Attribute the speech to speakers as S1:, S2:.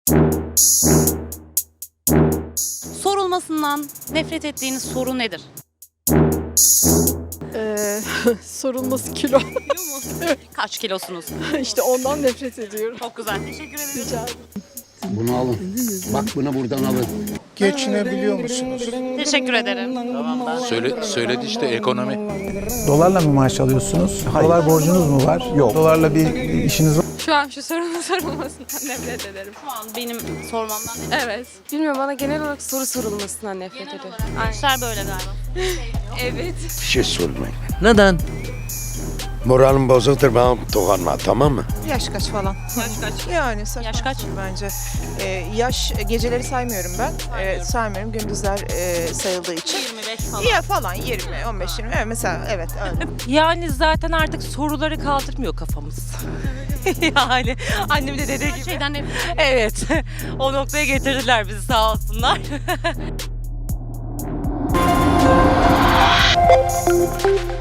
S1: Sorulmasından nefret ettiğiniz soru nedir?
S2: Sorulması kilo.
S1: Kilo mu? Kaç kilosunuz?
S2: İşte ondan nefret ediyorum.
S1: Çok güzel. Teşekkür ederim.
S2: Rica ederim.
S3: Bunu alın. Bak bunu buradan alın.
S4: Geçinebiliyor musunuz?
S1: Teşekkür ederim.
S5: Söyledi işte ekonomi.
S4: Dolarla mı maaş alıyorsunuz? Dolar borcunuz mu var? Yok. Dolarla bir işiniz var?
S6: Şu an şu sorunun sorulmasından nefret ederim.
S1: Şu an benim sormamdan nefret
S6: Evet. Bilmiyorum, bana genel olarak soru sorulmasından nefret
S1: Genel
S6: ediyorum.
S1: olarak gençler böyle galiba.
S6: Evet.
S7: Bir şey sormayın.
S8: Neden?
S7: Moralim bozuktur, bana dokunma, tamam mı?
S9: Yaş kaç falan.
S1: Yaş kaç?
S9: Yani saçma
S1: Yaş kaç?
S9: bence. Yaş geceleri saymıyorum ben. Saymıyorum gündüzler sayıldığı için.
S1: 25 falan.
S9: Ya falan 20, 15, 20. Evet, mesela evet öyle.
S8: Yani zaten artık soruları kaldırmıyor kafamız. Yani annem de dediği
S1: Her
S8: gibi.
S1: şeyden nefret ediyorum.
S8: Evet. O noktaya getirdiler bizi, sağ olsunlar.